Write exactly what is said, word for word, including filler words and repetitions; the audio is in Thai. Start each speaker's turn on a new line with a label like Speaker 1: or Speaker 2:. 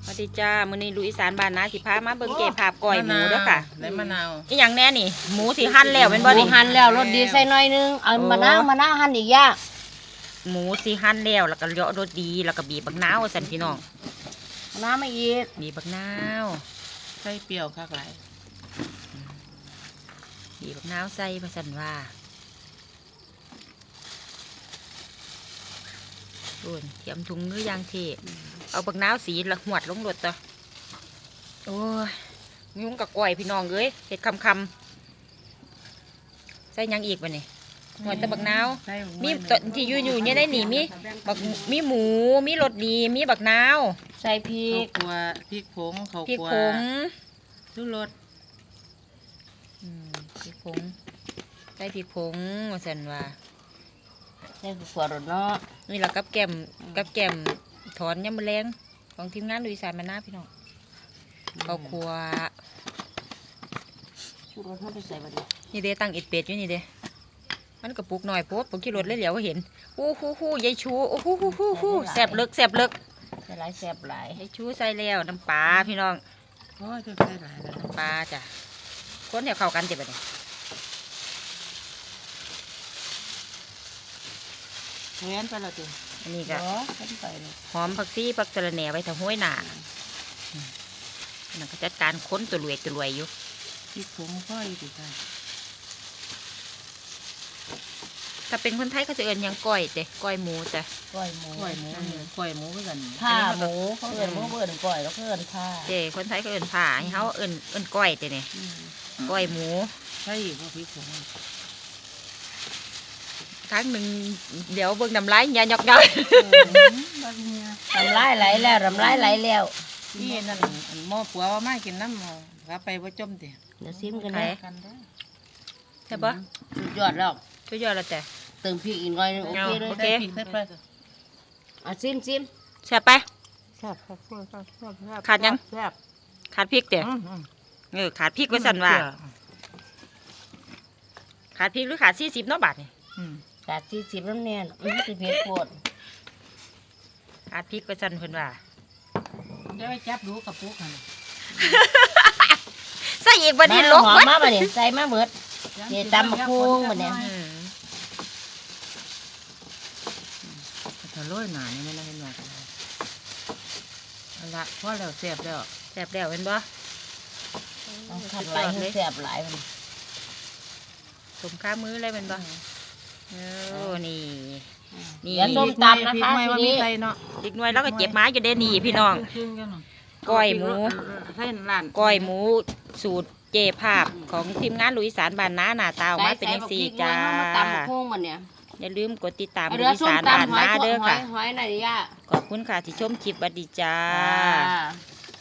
Speaker 1: สวัสดีจ้ามื้อนี้ลุยอีสานบ้านนาสิพามาเบิ่งเก็บภาพก้อยหมูเด้อค่ะ
Speaker 2: ได้มะนาว
Speaker 1: อีหยังแน่นี่หมูที่หั่นแล้วเป็นบ่นี่
Speaker 3: หั่นแล้วรสดีใส่หน่อยนึงเอามะนาวมะนาวหั่นอีกอย่าง
Speaker 1: หมูสิหั่นแล้วแล้วก็เลาะรสดีแล้วก็บีบบักนาวสั่นพี่น้อง
Speaker 3: มะนาวมาอีก
Speaker 1: บีบบักนาว
Speaker 2: ใส่เปรี้ยวคักหลาย
Speaker 1: บีบบักนาวใส่ว่าซั่นว่าโอ้ยเตรียมถุงมือยางเทเอาบักนาวสีละหวดลงรถต่อโอ้ยยุ่งกับก้อยพี่น้องเอ้ยเห็ดคำคำใส่ยังอีกวะนี่หวดตะบักนาวมีตอนที่อยู่อยู่เนี่ยได้หนีมีบักมีหมูมีรสดีมีบักนาว
Speaker 3: ใส่พริก
Speaker 2: ขัวพริกผงเขา
Speaker 1: พริกผง
Speaker 2: ชูรส
Speaker 1: พริกผงใส่พริกผงว่าสันว่า
Speaker 3: ใส่ขัวรสเนาะ
Speaker 1: นี่แหละกับแก้มกับแก้มถอนยำมะแรงของทีมงานลุยสานมาหน้าพี่น้องเขาครัว
Speaker 3: ชูรสเขาไปใส่บัดนี้
Speaker 1: นี่เด้ตั้งอิดเป็ดอยู่นี่เด้มันกระปุกหน่อยโป๊ดผมขี่รถเลยเหลียวก็เห็นอู้หู้หู้ยายชูอู้หู้หู้หู้หู้แสบเลิกแสบเลิก
Speaker 3: ใส่หลายแซ่บหลาย
Speaker 1: ยายชูใส่แล้วน้ำปลาพี่น้อง
Speaker 2: โอ้ยจะใส่หลายแล้ว
Speaker 1: น้ำปลาจ้ะคนเดี๋ยวเข้ากันเจ็บแบบนี้
Speaker 2: เวียนไปแล้วจ้ะ
Speaker 1: อันนี้ก็หอมผักชีผักสะระแหน่ไว้ทำห้วยหนานั่นก็จัดการค้นตัวรวยตัวรวยอยู่
Speaker 2: พริกผงค่อยดีค่ะ
Speaker 1: ถ้าเป็นคนไทยก็จะเอิญยังก้อยเจ้ก้อยหมูจ้ะ
Speaker 3: ก้อยหมู
Speaker 2: ก้อยหมูก้อยหมูคือกัน
Speaker 3: ผ้าหมูเขาเอิญหมูเอิญก้อยแล้วก็เอิญผ้า
Speaker 1: เจ้คนไทยก็เอิญผ้าให้เขาเอิญเอิญก้อยเจ้เนี่ยก้อยหมู
Speaker 2: ใช่เพราะพริกผง
Speaker 1: ครั้งหนึ่งเดี๋ยวเบิ่งน้ำลายยาหยอกย้อย
Speaker 3: น้ำลายไหลแล้วน้ำลายไหลแล้ว
Speaker 2: นี่นั่นหม้อปัวว่าไม่กินน้ำรับไปว่าจมเดี๋ยว
Speaker 3: เดี๋ยวซิมกันนะ
Speaker 1: ใช่ปะ
Speaker 3: สุดยอดแล้ว
Speaker 1: สุดยอดแล้วแต่
Speaker 3: เติมพริกอีกหน่อยนึงโอเคเลย
Speaker 1: โอเค
Speaker 3: อ่ะซิมซิม
Speaker 1: แซ่บไปขาดยังขาดพริกเดี๋ยวเออขาดพริกไว้สั่นว่าขาดพริกหรือขาดสี่สิบเนาะบาทนี่
Speaker 3: ขาดสี่สิบน้ำเนียนอือสิเผ็ดโคตร
Speaker 1: ขาดพริกไว้สั่นเพิ่นว่า
Speaker 2: เดี๋ยวไปจับดูกับปุ๊กค่ะ
Speaker 1: ใส่อีกวันนี้ลก
Speaker 3: หอมมาบ่เนี่ยใส่มาเบิดเดี๋ยวตำมะพร้าวบ่เนี่ย
Speaker 2: ถ้าโรยหนานี่ไม่ละเห็นว่าเอาละพอแล้วแซ่บแล้ว
Speaker 1: แซ่บแล้วเห็นบ่
Speaker 3: ขัดไหลให้แซ่บหลายมัน
Speaker 1: สมค่ามือเลยเป็นบ่โอ้นี่
Speaker 3: นี่ส้มตำนะคะทีนี้
Speaker 1: อีกหน่วยแล้วก็เจ็บไม้อยู่เด้นี่พี่น้องก้อยหมูก้อยหมูสูตรเจภาพของทีมงานลุยสารบ้านน้าหน้าตาออกมาเป็นสีจ้าอย่าลืมกดติดตามลุยสารบ้านน้าเด้อค่ะขอบคุณค่ะที่ชมคลิปบัดดีจ้า